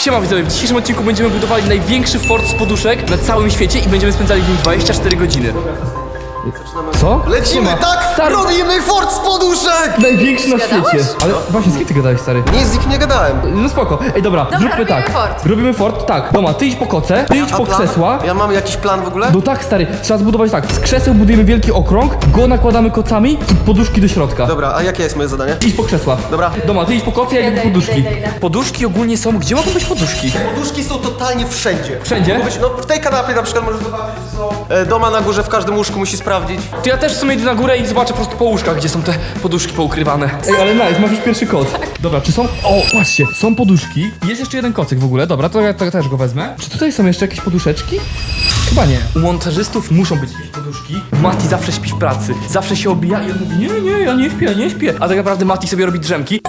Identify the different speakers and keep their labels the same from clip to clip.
Speaker 1: Siema widzowie, w dzisiejszym odcinku będziemy budowali największy fort z poduszek na całym świecie i będziemy spędzali w nim 24 godziny. Co?
Speaker 2: Lecimy, tak!
Speaker 1: Stary.
Speaker 2: Robimy fort z poduszek!
Speaker 1: Największy na świecie. Ale właśnie, z kim ty gadałeś, stary?
Speaker 2: Nie, z nikim nie gadałem.
Speaker 1: No spoko. Ej, dobra, zróbmy
Speaker 3: robimy
Speaker 1: tak.
Speaker 3: fort.
Speaker 1: Robimy fort, tak. Doma, ty idź po koce, ty idź po
Speaker 2: plan?
Speaker 1: krzesła.
Speaker 2: Ja mam jakiś plan w ogóle?
Speaker 1: No tak, stary, trzeba zbudować tak. Z krzeseł budujemy wielki okrąg, go nakładamy kocami i poduszki do środka.
Speaker 2: Dobra, a jakie jest moje zadanie?
Speaker 1: Idź po krzesła.
Speaker 2: Dobra.
Speaker 1: Doma, ty idź po koce, ja idę po poduszki.
Speaker 3: idę.
Speaker 1: Poduszki ogólnie są, gdzie mogą być poduszki?
Speaker 2: Poduszki są totalnie wszędzie.
Speaker 1: Wszędzie?
Speaker 2: Mogą być, no w tej kanapie na przykład możesz zobaczyć, że są. Doma na górze w każdym łóżku musi sprawdzić.
Speaker 1: To ja też w sumie idę na górę i zobaczę po prostu po łóżkach, gdzie są te poduszki poukrywane. Ej, ale nice, masz już pierwszy koc. Dobra, czy są... O, patrzcie, są poduszki. Jest jeszcze jeden kocyk w ogóle, dobra, to ja też go wezmę. Czy tutaj są jeszcze jakieś poduszeczki? Chyba nie. U montażystów muszą być jakieś poduszki. Mati zawsze śpi w pracy, zawsze się obija i on mówi, nie, ja nie śpię. A tak naprawdę Mati sobie robi drzemki.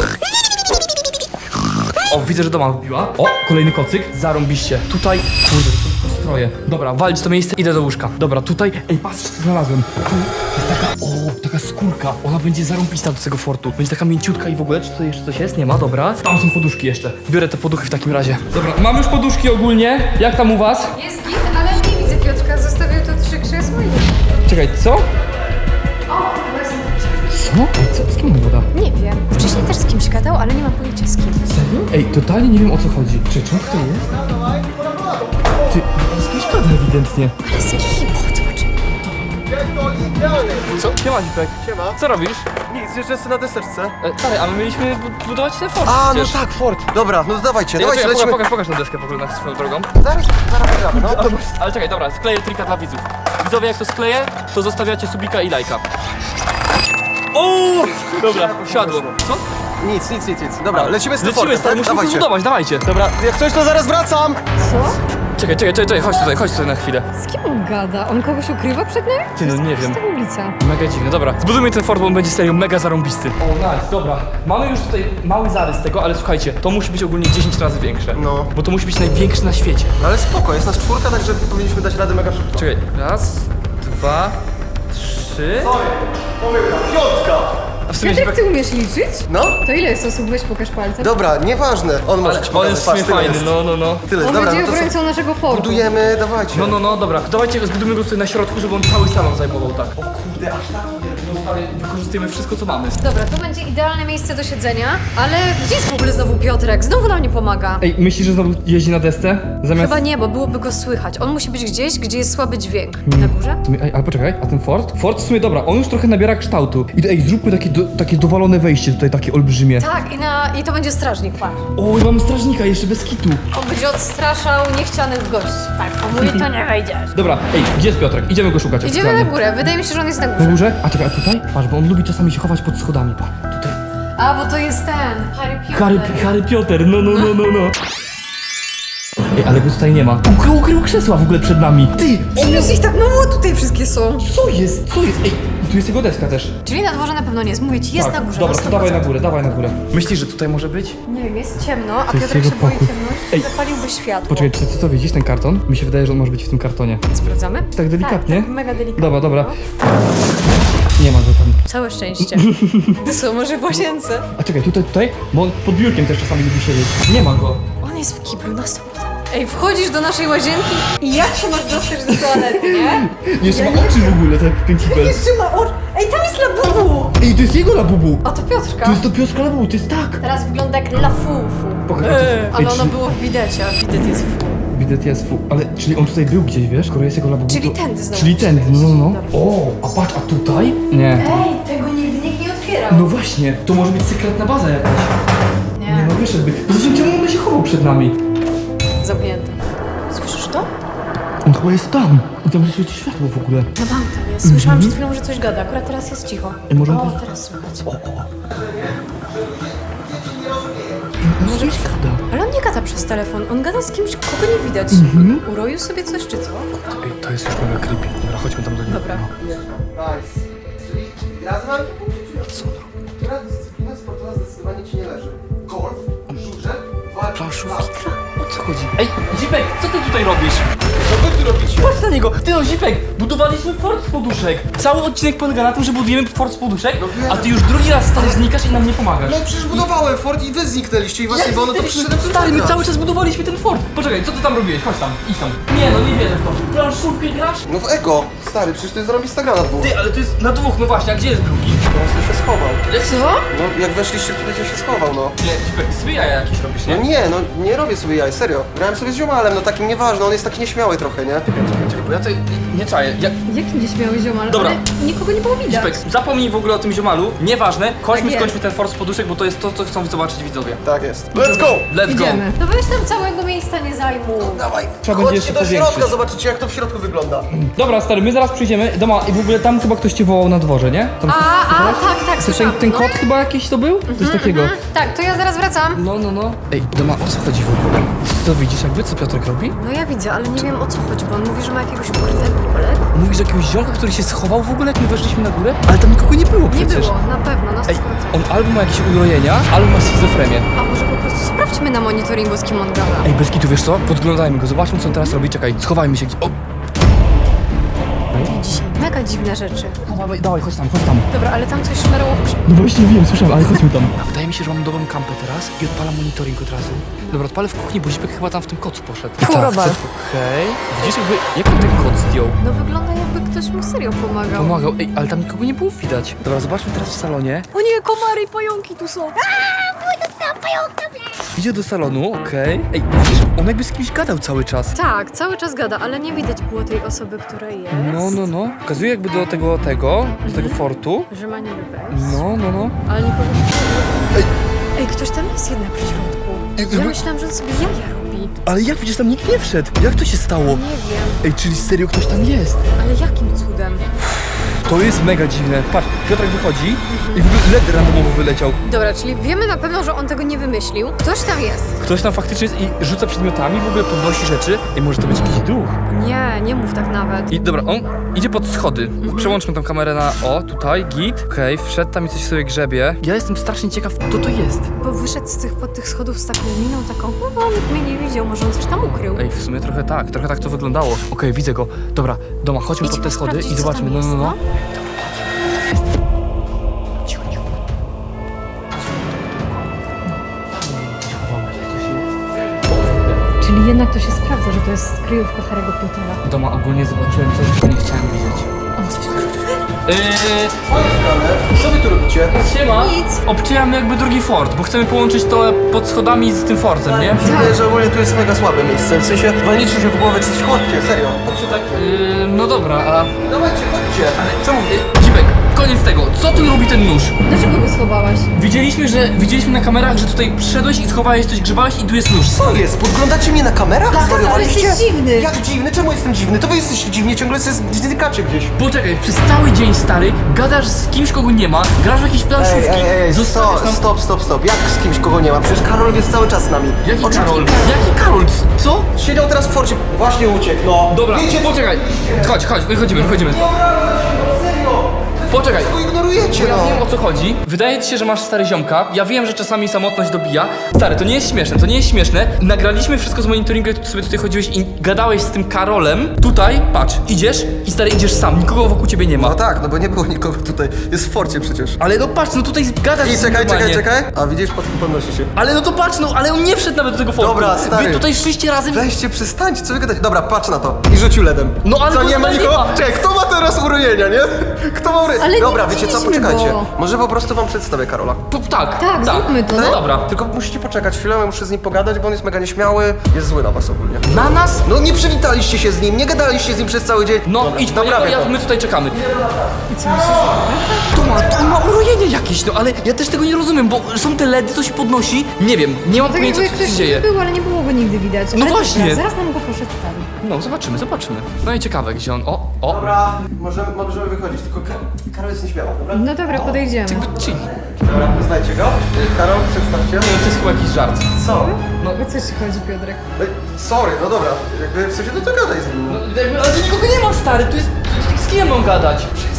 Speaker 1: O, widzę, że doma wbiła. O, kolejny kocyk, zarąbiście. Tutaj, kurde, to są tylko stroje. Dobra, walić to miejsce, idę do łóżka. Dobra, tutaj, ej, patrz, co znalazłem. Tu jest taka skórka. Ona będzie zarąbista do tego fortu. Będzie taka mięciutka i w ogóle, czy tutaj jeszcze coś jest? Nie ma, dobra. Tam są poduszki jeszcze. Biorę te poduchy w takim razie. Dobra, mam już poduszki ogólnie. Jak tam u was?
Speaker 3: Jest git, ale nie widzę Piotrka. Zostawił tu 3 krzesła i...
Speaker 1: Czekaj, co?
Speaker 3: O, właśnie.
Speaker 1: Co? Ej, co? Z kim on gada?
Speaker 3: Nie wiem. Wcześniej też z kimś gadał, ale nie mam pojęcia z kim.
Speaker 1: Serio? Ej, totalnie nie wiem o co chodzi. Czy on tutaj jest? Ty, z kimś gada ewidentnie.
Speaker 3: Ale z kim? Chodź, zobacz.
Speaker 1: Co? Siema, Zipek.
Speaker 2: Siema.
Speaker 1: Co robisz?
Speaker 2: Nic, jeszcze jestem na deseczce.
Speaker 1: Stary, a my mieliśmy budować ten fort
Speaker 2: A, no
Speaker 1: przecież.
Speaker 2: tak, fort. Dobra, no to dawajcie,
Speaker 1: Ej,
Speaker 2: dawajcie,
Speaker 1: czekaj,
Speaker 2: lecimy.
Speaker 1: pokaż na deskę w ogóle na swoją drogą.
Speaker 2: Zaraz wygramy, no.
Speaker 1: Ale czekaj, dobra, skleję trika dla widzów. Widzowie, jak to skleję, to zostawiacie subika i lajka. O! Dobra, siadło. Co?
Speaker 2: Nic. Dobra, lecimy z tym fortem,
Speaker 1: stary,
Speaker 2: tak?
Speaker 1: musimy to
Speaker 2: Dawajcie.
Speaker 1: zbudować, dawajcie.
Speaker 2: Dobra, jak coś to zaraz wracam.
Speaker 3: Co?
Speaker 1: Czekaj, chodź tutaj na chwilę.
Speaker 3: Z kim on gada? On kogoś ukrywa przed nami?
Speaker 1: Ty, no nie wiem.
Speaker 3: To jest ulica.
Speaker 1: Mega dziwne, dobra. Zbudujmy ten fort, bo on będzie serio mega zarąbisty. O, nice, dobra. Mamy już tutaj mały zarys tego, ale słuchajcie, to musi być ogólnie 10 razy większe.
Speaker 2: No.
Speaker 1: Bo to musi być największy na świecie.
Speaker 2: Ale spoko, jest nas 4, także powinniśmy dać radę mega szybko.
Speaker 1: Czekaj, raz, dwa, trzy.
Speaker 2: Pomyłka, 5.
Speaker 1: A w sumie
Speaker 3: Piotrek, ty umiesz liczyć?
Speaker 2: No,
Speaker 3: To ile jest osób? Weź pokaż palcem.
Speaker 2: dobra, nieważne. On może ci
Speaker 1: on
Speaker 2: pokazać.
Speaker 1: jest w sumie
Speaker 2: Patrz, tyle
Speaker 1: fajny,
Speaker 2: jest.
Speaker 1: no.
Speaker 2: Tyle,
Speaker 3: On
Speaker 2: dobra,
Speaker 3: będzie
Speaker 2: no to co?
Speaker 3: obrońcą naszego fortu.
Speaker 2: Budujemy, dawajcie.
Speaker 1: No, dobra. Dawajcie go, zbudujmy go tutaj na środku, żeby on cały salon zajmował, tak. O kurde, aż tak. No stary, wykorzystujemy wszystko, co mamy.
Speaker 3: Dobra, to będzie idealne miejsce do siedzenia, ale gdzie jest w ogóle znowu Piotrek? Znowu nam nie pomaga.
Speaker 1: Ej, myślisz, że znowu jeździ na desce? Zamiast...
Speaker 3: Chyba nie, bo byłoby go słychać. On musi być gdzieś, gdzie jest słaby dźwięk. Na górze?
Speaker 1: W sumie, ej, ale poczekaj, a ten fort? Fort w sumie dobra, on już trochę nabiera kształtu. I ej, zróbmy takie dowalone wejście tutaj, takie olbrzymie.
Speaker 3: Tak, i to będzie strażnik, patrz.
Speaker 1: O, i mamy strażnika jeszcze bez kitu.
Speaker 3: On będzie odstraszał niechcianych gości. Tak, on mówi, to nie wejdziesz.
Speaker 1: Dobra, ej, gdzie jest Piotrek? Idziemy go szukać
Speaker 3: Idziemy na
Speaker 1: oficjalnie.
Speaker 3: górę, wydaje mi się, że on jest na
Speaker 1: Na
Speaker 3: górze.
Speaker 1: górze? A czekaj, a tutaj? Patrz, bo on lubi czasami się chować pod schodami, pa. Tutaj.
Speaker 3: A, bo to jest ten, Harry Potter.
Speaker 1: Harry Piotr, no. Ej, ale go tutaj nie ma. Ukrył krzesła w ogóle przed nami. Ty,
Speaker 3: Minus ich tak mało tutaj wszystkie są.
Speaker 1: co jest? Ej, tu jest jego deska też.
Speaker 3: Czyli na dworze na pewno nie jest. Mówię ci, jest
Speaker 1: Tak,
Speaker 3: na górze.
Speaker 1: dobra,
Speaker 3: na
Speaker 1: to
Speaker 3: 100%.
Speaker 1: dawaj na górę. Myślisz, że tutaj może być?
Speaker 3: Nie wiem, jest ciemno, a
Speaker 1: To jest
Speaker 3: Piotrek
Speaker 1: jego
Speaker 3: się boi
Speaker 1: pokój.
Speaker 3: ciemności.
Speaker 1: Ej.
Speaker 3: Zapaliłby światło.
Speaker 1: Poczekaj, czy ty to widzisz, ten karton? Mi się wydaje, że on może być w tym kartonie.
Speaker 3: Sprawdzamy?
Speaker 1: Tak delikatnie?
Speaker 3: Tak, mega delikatnie.
Speaker 1: Dobra. Nie ma go tam.
Speaker 3: Całe szczęście. Co, może w łazience?
Speaker 1: A czekaj, tutaj? Bo on pod biurkiem też czasami lubi siedzieć. Nie ma go.
Speaker 3: On jest w kiblu na 100%. Ej, wchodzisz do naszej łazienki i jak się masz dostać do toalety, nie?
Speaker 1: Jeszcze ma oczy w ogóle, tak jak ten kibel.
Speaker 3: Jeszcze ma oczy. Ej, tam jest labubu!
Speaker 1: Ej, to jest jego labubu.
Speaker 3: A to Piotrka.
Speaker 1: To jest do Piotrka labubu, to jest tak.
Speaker 3: Teraz wygląda jak lafufu.
Speaker 1: Pokaż, a to jest...
Speaker 3: Ale ono było w bidecie, a bidet jest fu.
Speaker 1: Bidet jest fu. Ale, czyli on tutaj był gdzieś, wiesz? Skoro jest jego labubu,
Speaker 3: Czyli
Speaker 1: to...
Speaker 3: tędy znowu.
Speaker 1: Czyli tędy, no. O, a patrz, a tutaj? Nie.
Speaker 3: Ej, tego nigdy nikt nie otwierał.
Speaker 1: No właśnie, to może być sekretna baza jakaś. Nie
Speaker 3: Nie,
Speaker 1: no, wyszedłby. Poza tym czemu on się chował przed nami?
Speaker 3: zamknięte. Słyszysz to?
Speaker 1: On chyba jest tam. I tam świeci światło w ogóle.
Speaker 3: Na bank tam jest. Słyszałam przed chwilą, że coś gada. Akurat teraz jest cicho.
Speaker 1: Ej, może on
Speaker 3: O,
Speaker 1: to-
Speaker 3: teraz słychać.
Speaker 1: No coś gada.
Speaker 3: Ale on nie gada przez telefon. On gada z kimś, kogo nie widać. Uroił sobie coś, czy co?
Speaker 1: Ej, to jest już mega creepy. Dobra, chodźmy tam do niego.
Speaker 3: Dobra.
Speaker 2: Nice. Czyli razem mamy co? Która dyscyplina sportowa zdecydowanie ci nie leży? Golf, żużel, walka,
Speaker 1: Planszówka. O co chodzi? Ej, Zipek, co ty tutaj robisz?
Speaker 2: Co wy tu robicie?
Speaker 1: Patrz na niego! Ty no, Zipek, budowaliśmy fort z poduszek. Cały odcinek polega na tym, że budujemy fort z poduszek,
Speaker 2: wiem.
Speaker 1: a ty już drugi raz stary znikasz i nam nie pomagasz.
Speaker 2: No przecież budowałem fort i wy zniknęliście i was nie było, no to przyszedłem
Speaker 1: Stary, my
Speaker 2: pomagać.
Speaker 1: cały czas budowaliśmy ten fort. Poczekaj, co ty tam robiłeś? Chodź tam, idź tam. Nie no, nie wierzę w to. Planszówkę grasz?
Speaker 2: No w ego. Stary, przecież to jest zrobić Instagrama na dwóch.
Speaker 1: Ty, ale to jest na dwóch, no właśnie, a gdzie jest drugi?
Speaker 2: Teraz to się schował.
Speaker 3: Co?
Speaker 2: No jak weszliście, tutaj to się schował, no.
Speaker 1: Nie, Zipek, ty sobie jaja jakieś robisz,
Speaker 2: No
Speaker 1: nie?
Speaker 2: nie, no nie robię sobie jaj, serio. Grałem sobie z ziomalem, no takim nieważne, on jest taki nieśmiały trochę, nie?
Speaker 1: Czekaj, bo ja tutaj nie czaję.
Speaker 3: Jakim gdzieś miałeś ziomal?
Speaker 1: Dobra.
Speaker 3: Ale nikogo nie było widać.
Speaker 1: Zipek, zapomnij w ogóle o tym ziomalu, nieważne, chodźmy,
Speaker 3: Tak
Speaker 1: skończmy ten fort z poduszek, bo to jest to, co chcą zobaczyć widzowie.
Speaker 2: Tak jest. Let's go!
Speaker 1: Let's go!
Speaker 3: Idziemy. No weź tam całego miejsca nie zajmuj.
Speaker 2: Dawaj,
Speaker 1: Trzeba będzie
Speaker 2: chodźcie
Speaker 1: jeszcze
Speaker 2: do środka,
Speaker 1: powiększyć.
Speaker 2: zobaczycie jak to w środku wygląda.
Speaker 1: Dobra, stary, my zaraz przyjdziemy. Doma, i w ogóle tam chyba ktoś cię wołał na dworze, nie? Tam
Speaker 3: Tak,
Speaker 1: Słyszałeś,
Speaker 3: słyszałam.
Speaker 1: ten
Speaker 3: No.
Speaker 1: kot chyba jakiś to był? Coś takiego.
Speaker 3: Tak, to ja zaraz wracam.
Speaker 1: No. Ej, Doma, o co chodzi w ogóle? Ty to widzisz jakby, co Piotrek robi?
Speaker 3: No ja widzę, ale nie wiem o co chodzi, bo on mówi, że ma jakiegoś ukrytego.
Speaker 1: Mówisz o jakiegoś ziomka, który się schował w ogóle, jak my weszliśmy na górę? Ale tam nikogo nie było
Speaker 3: Nie
Speaker 1: przecież.
Speaker 3: było, na pewno, na 100%.
Speaker 1: Ej, on albo ma jakieś urojenia, albo ma schizofrenię.
Speaker 3: A może po prostu sprawdźmy na monitoringu, z kim on gada.
Speaker 1: Ej, bez kitu, wiesz co? Podglądajmy go, zobaczmy co on teraz robi. Czekaj, schowajmy się gdzieś. O,
Speaker 3: Dzisiaj mega dziwne rzeczy.
Speaker 1: dawaj, chodź tam.
Speaker 3: Dobra, ale tam coś szmeroło w
Speaker 1: No właśnie wiem, słyszałem, ale chodźmy tam. A wydaje mi się, że mam dobrą kampę teraz i odpalam monitoring od razu. Dobra, odpalę w kuchni, bo Zipek chyba tam w tym kocu poszedł.
Speaker 3: Fu, Robal.
Speaker 1: Okej. Widzisz jakby, jak on ten kot zdjął?
Speaker 3: No wygląda jakby ktoś mu serio pomagał.
Speaker 1: Pomagał, ej, ale tam nikogo nie było widać. Dobra, zobaczmy teraz w salonie.
Speaker 3: O nie, komary i pająki tu są.
Speaker 1: Idzie do salonu, okej. Ej, widzisz, on jakby z kimś gadał cały czas.
Speaker 3: Tak, cały czas gada, ale nie widać było tej osoby, która jest.
Speaker 1: No. Pokazuje jakby do tego fortu.
Speaker 3: Że ma niby wejść.
Speaker 1: No.
Speaker 3: Ale nikogo nie Ej, ktoś tam jest jednak w środku.
Speaker 1: Ej,
Speaker 3: Ja myślałam, że on sobie jaja robi.
Speaker 1: Ale jak widzisz, tam nikt nie wszedł. Jak to się stało?
Speaker 3: Nie wiem,
Speaker 1: Ej, czyli serio ktoś tam jest.
Speaker 3: ale jakim cudem?
Speaker 1: To jest mega dziwne. Patrz, Piotrek wychodzi i w ogóle LED randomowo wyleciał.
Speaker 3: Dobra, czyli wiemy na pewno, że on tego nie wymyślił. Ktoś tam jest.
Speaker 1: Ktoś tam faktycznie jest i rzuca przedmiotami, w ogóle podnosi rzeczy. I może to być jakiś duch.
Speaker 3: Nie mów tak nawet.
Speaker 1: I dobra, on idzie pod schody. Przełączmy tą kamerę na, tutaj, git. Okej, wszedł tam i coś sobie grzebie. Ja jestem strasznie ciekaw, kto to jest.
Speaker 3: Bo wyszedł pod tych schodów z taką miną, taką, no nikt mnie nie widział, może on coś tam ukrył.
Speaker 1: Ej, w sumie trochę tak to wyglądało. Okej, widzę go. Dobra, Doma, chodźmy pod te schody
Speaker 3: sprawdzić,
Speaker 1: i
Speaker 3: co
Speaker 1: zobaczmy.
Speaker 3: tam jest,
Speaker 1: No.
Speaker 3: Czyli jednak to się sprawdza, że to jest kryjówka Harry'ego Pottera.
Speaker 1: Doma, ogólnie zobaczyłem coś, czego nie chciałem widzieć.
Speaker 3: On coś
Speaker 2: Co wy tu robicie?
Speaker 1: Siema.
Speaker 3: Nic.
Speaker 1: Obcinamy jakby drugi fort, bo chcemy połączyć to pod schodami z tym fortem, nie?
Speaker 2: Czuję, że ogólnie tu jest mega słabe miejsce, w sensie walniczy się w głowę czy coś, chodźcie, serio. Chodźcie tak.
Speaker 1: No dobra, a...
Speaker 2: Dawajcie, chodźcie.
Speaker 1: Czemu? Zipek, koniec tego. Co tu robi ten nóż?
Speaker 3: Dlaczego go schowałaś?
Speaker 1: Widzieliśmy na kamerach, że tutaj przyszedłeś i schowałeś coś, grzebałeś i tu jest nóż.
Speaker 2: Co jest? Podglądacie mnie na kamerach? Zwariowaliście?
Speaker 3: ale jesteś dziwny.
Speaker 2: Jak dziwny? Czemu jestem dziwny? To wy jesteście dziwni, ciągle zdykacie gdzieś.
Speaker 1: Poczekaj, przez cały dzień, stary, gadasz z kimś, kogo nie ma, grasz w jakieś planszówki, zostawiasz nam...
Speaker 2: Stop. Jak z kimś, kogo nie ma? Przecież Karol jest cały czas z nami.
Speaker 1: Jaki
Speaker 2: O czym
Speaker 1: Karol?
Speaker 2: ty-
Speaker 1: Jaki Karol? Co?
Speaker 2: Siedział teraz w forcie. Właśnie uciekł, no.
Speaker 1: Dobra,
Speaker 2: Wiecie,
Speaker 1: poczekaj. Chodź, wychodzimy.
Speaker 2: serio.
Speaker 1: Poczekaj.
Speaker 2: Go ignorujecie,
Speaker 1: Ja
Speaker 2: no.
Speaker 1: wiem o co chodzi. Wydaje ci się, że masz stary ziomka. Ja wiem, że czasami samotność dobija. Stary, to nie jest śmieszne. Nagraliśmy wszystko z monitoringu, jak sobie tutaj chodziłeś i gadałeś z tym Karolem. Tutaj, patrz, idziesz i stary idziesz sam, nikogo wokół ciebie nie ma.
Speaker 2: No tak, no bo nie było nikogo tutaj. Jest w forcie przecież.
Speaker 1: Ale no patrz, no tutaj gadasz
Speaker 2: I
Speaker 1: z nim normalnie.
Speaker 2: czekaj. A widzisz, podnosi się.
Speaker 1: Ale no to patrz, no ale on nie wszedł nawet do tego fortu.
Speaker 2: Dobra, stary.
Speaker 1: Wy tutaj szliście razem.
Speaker 2: Weźcie, przestańcie, co wy gadacie? Dobra, patrz na to. I rzucił ledem.
Speaker 1: No, ale
Speaker 2: co,
Speaker 1: go
Speaker 2: nie ma
Speaker 1: tutaj nie
Speaker 2: nikogo?
Speaker 1: ma.
Speaker 2: Czekaj, kto ma teraz urojenia, nie? Kto ma urojenia?
Speaker 3: Ale nie
Speaker 2: Dobra, wiecie co,
Speaker 3: widzieliśmy
Speaker 2: poczekajcie.
Speaker 3: go.
Speaker 2: Może po prostu wam przedstawię Karola.
Speaker 1: Tak,
Speaker 3: zróbmy to, no.
Speaker 1: Dobra.
Speaker 2: Tylko musicie poczekać chwilę, ja muszę z nim pogadać, bo on jest mega nieśmiały, jest zły na was ogólnie.
Speaker 1: Na nas?
Speaker 2: No nie przywitaliście się z nim, nie gadaliście z nim przez cały dzień.
Speaker 1: No
Speaker 2: Dobra,
Speaker 1: idź,
Speaker 2: naprawię to.
Speaker 1: my tutaj czekamy. To ma urojenie jakieś, no ale ja też tego nie rozumiem, bo są te LEDy, to się podnosi. Nie wiem, nie mam
Speaker 3: Tak
Speaker 1: pojęcia
Speaker 3: jakby
Speaker 1: co się
Speaker 3: ktoś
Speaker 1: dzieje.
Speaker 3: był, ale nie było go nigdy widać.
Speaker 1: No
Speaker 3: Ale
Speaker 1: właśnie.
Speaker 3: Dobra, zaraz nam go przedstawi.
Speaker 1: No zobaczymy. No i ciekawe gdzie on. O.
Speaker 2: Dobra, możemy wychodzić, tylko Karol jest nieśmiały, dobra?
Speaker 3: No dobra, podejdziemy.
Speaker 1: Chill.
Speaker 2: Dobra, poznajcie go. Karol, przedstawcie.
Speaker 1: To jest chyba jakiś żart.
Speaker 2: Co?
Speaker 3: O co ci chodzi, Piotrek?
Speaker 2: Sorry, no dobra, jakby w sensie to gadaj z nim.
Speaker 1: Ale tu nikogo nie ma, stary, tu jest... Z kim mam gadać?
Speaker 2: Przestań, czemu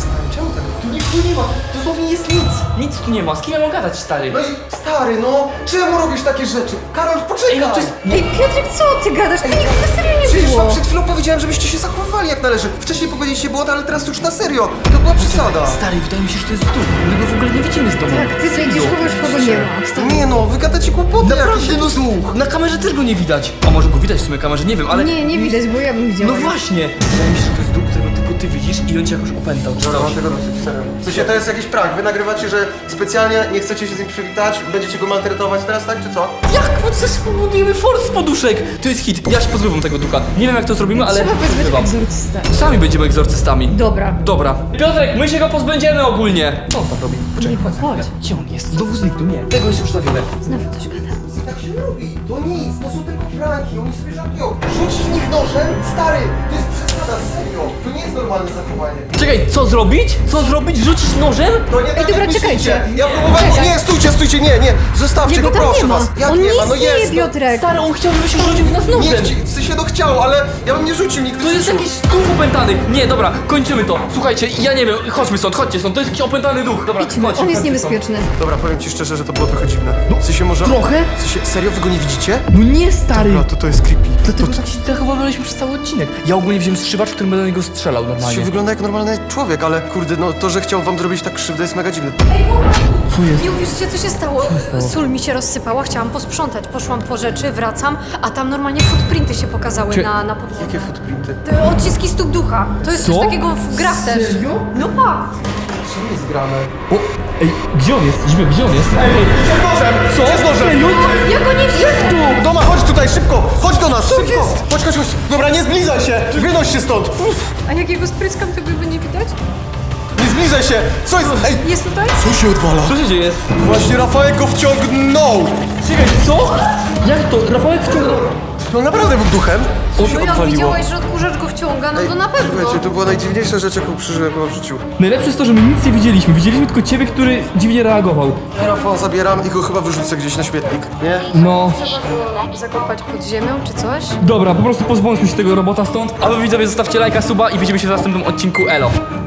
Speaker 1: Tu nic nie ma, dosłownie jest nic. Nic tu nie ma, z kim ja mam gadać, stary?
Speaker 2: No i stary, no, czemu robisz takie rzeczy? Karol, poczekaj!
Speaker 1: no to jest...
Speaker 3: Ej, Piotrek, co ty gadasz? To nigdy na serio nie
Speaker 2: Przecież wam
Speaker 3: było.
Speaker 2: przed chwilą powiedziałem, żebyście się zachowywali jak należy. Wcześniej powiedzieliście błąd, ale teraz już na serio. To była przesada.
Speaker 1: Stary, wydaje mi się, że to jest duch. My go w ogóle nie widzimy z domu.
Speaker 3: Tak, ty sędzisz kogoś, kogo nie ma.
Speaker 2: Nie no, wy gadacie kłopoty
Speaker 1: Naprawdę,
Speaker 2: jakieś.
Speaker 1: no na kamerze też go nie widać. A może go widać w sumie kamerze, nie wiem, ale...
Speaker 3: Nie widać, bo ja bym widziała.
Speaker 1: No właśnie. Wydaje mi się, że to jest duch, którego tylko ty widzisz i on cię jakoś opętał. Czy
Speaker 2: Dobra,
Speaker 1: coś.
Speaker 2: mam tego dosyć, serio. W sensie, to jest jakiś prank. Wy nagrywacie, że specjalnie nie chcecie się z nim przywitać, będziecie go maltretować teraz, tak, czy co?
Speaker 1: Jak? Bo coś spowodujemy force z poduszek. To jest hit. Ja się pozbywam tego ducha. Nie wiem jak to zrobimy, ale...
Speaker 3: Trzeba wezwać
Speaker 1: pozbywam.
Speaker 3: egzorcystę.
Speaker 1: Sami będziemy egzorcystami.
Speaker 3: Dobra.
Speaker 1: Dobra. Piotrek, my się go pozbędziemy ogólnie. Co on tam robi?
Speaker 3: Nie, chodź.
Speaker 1: Gdzie on jest? Znowu zniknął. Nie. Tego jest już za wiele.
Speaker 3: Znowu coś gada.
Speaker 2: Tak się nie robi. To nic, to są tylko pranki, oni sobie żartują. Rzucić w nich nożem? Stary, to jest przesada, serio. To nie jest normalne zachowanie.
Speaker 1: Czekaj, co zrobić? Co zrobić? Rzucić nożem?
Speaker 2: To nie tak
Speaker 3: dobra,
Speaker 2: jak myślicie.
Speaker 3: czekajcie.
Speaker 2: Ja próbowałem...
Speaker 3: Czekaj.
Speaker 2: Nie, stójcie, nie. Zostawcie
Speaker 3: Jego
Speaker 2: go,
Speaker 3: tam
Speaker 2: proszę
Speaker 3: nie ma.
Speaker 2: was. Jak
Speaker 3: On
Speaker 2: nie
Speaker 3: nie
Speaker 2: ma? No
Speaker 3: istnieje,
Speaker 2: jest.
Speaker 3: Piotrek.
Speaker 1: Stary, on chciał, żebyś rzucił w nas
Speaker 2: Nie,
Speaker 1: nożem.
Speaker 2: w sensie no chciał, ale ja bym nie rzucił nigdy
Speaker 1: To
Speaker 2: w
Speaker 1: jest
Speaker 2: życiu.
Speaker 1: jakiś duch opętany. Nie, dobra, kończymy to. Słuchajcie, ja nie wiem, chodźmy stąd, chodźcie stąd. To jest jakiś opętany duch. Dobra,
Speaker 3: Idźmy,
Speaker 1: chodźcie,
Speaker 3: on jest
Speaker 1: chodźcie
Speaker 3: niebezpieczny.
Speaker 2: Dobra, powiem ci szczerze, że to było trochę dziwne. W sensie może...
Speaker 1: Trochę?
Speaker 2: W sensie, serio, wy go nie widzicie?
Speaker 1: No nie, stary.
Speaker 2: Dobra, to jest creepy.
Speaker 1: Dlatego tak się zachowywaliśmy przez cały odcinek. Ja ogólnie wziąłem strzywacz, którym będę na niego strzelał
Speaker 2: To
Speaker 1: normalnie.
Speaker 2: się wygląda jak normalny człowiek, ale kurde, no to, że chciał wam zrobić tak krzywdę jest mega dziwne.
Speaker 1: Co jest?
Speaker 3: Nie uwierzycie, co się stało? Sól mi się rozsypała, chciałam posprzątać. Poszłam po rzeczy, wracam, a tam normalnie footprinty się pokazały
Speaker 1: Czy-
Speaker 3: na podłodze.
Speaker 2: Jakie footprinty?
Speaker 3: Te odciski stóp ducha. To jest
Speaker 1: Co?
Speaker 3: coś takiego w grach też.
Speaker 1: Serio?
Speaker 3: No pa!
Speaker 2: Co jest grane?
Speaker 1: O, ej, gdzie on jest? Zbyt, gdzie on jest? Ej,
Speaker 2: Idzie z nożem!
Speaker 1: co?
Speaker 2: Idzie z nożem!
Speaker 1: Serio?
Speaker 3: Ja go nie widzę!
Speaker 2: Doma, chodź tutaj, szybko! Chodź do nas, szybko! Chodź. Dobra, nie zbliżaj się! Wynoś się stąd!
Speaker 3: A jak jego spryskam, to go nie widać?
Speaker 2: Nie zbliżaj się! Co jest? Ej!
Speaker 3: Jest tutaj?
Speaker 2: Co się odwala?
Speaker 1: Co się dzieje?
Speaker 2: Właśnie Rafałek go wciągnął!
Speaker 1: Czekaj, co? Jak to? Rafałek wciągnął...
Speaker 2: No naprawdę był duchem. Co
Speaker 3: No
Speaker 2: się
Speaker 3: jak
Speaker 2: odwaliło?
Speaker 3: widziałeś, że odkurzacz go wciąga, no to na pewno.
Speaker 2: Słuchajcie, to była najdziwniejsza rzecz, jaką przeżyłem chyba w życiu.
Speaker 1: Najlepsze jest to, że my nic nie widzieliśmy. Widzieliśmy tylko ciebie, który dziwnie reagował.
Speaker 2: Rafała zabieram i go chyba wyrzucę gdzieś na śmietnik, nie?
Speaker 1: No...
Speaker 3: Zakopać pod ziemią czy coś?
Speaker 1: Dobra, po prostu pozbądźmy się tego robota stąd. A wy widzowie zostawcie lajka, suba i widzimy się w następnym odcinku. Elo.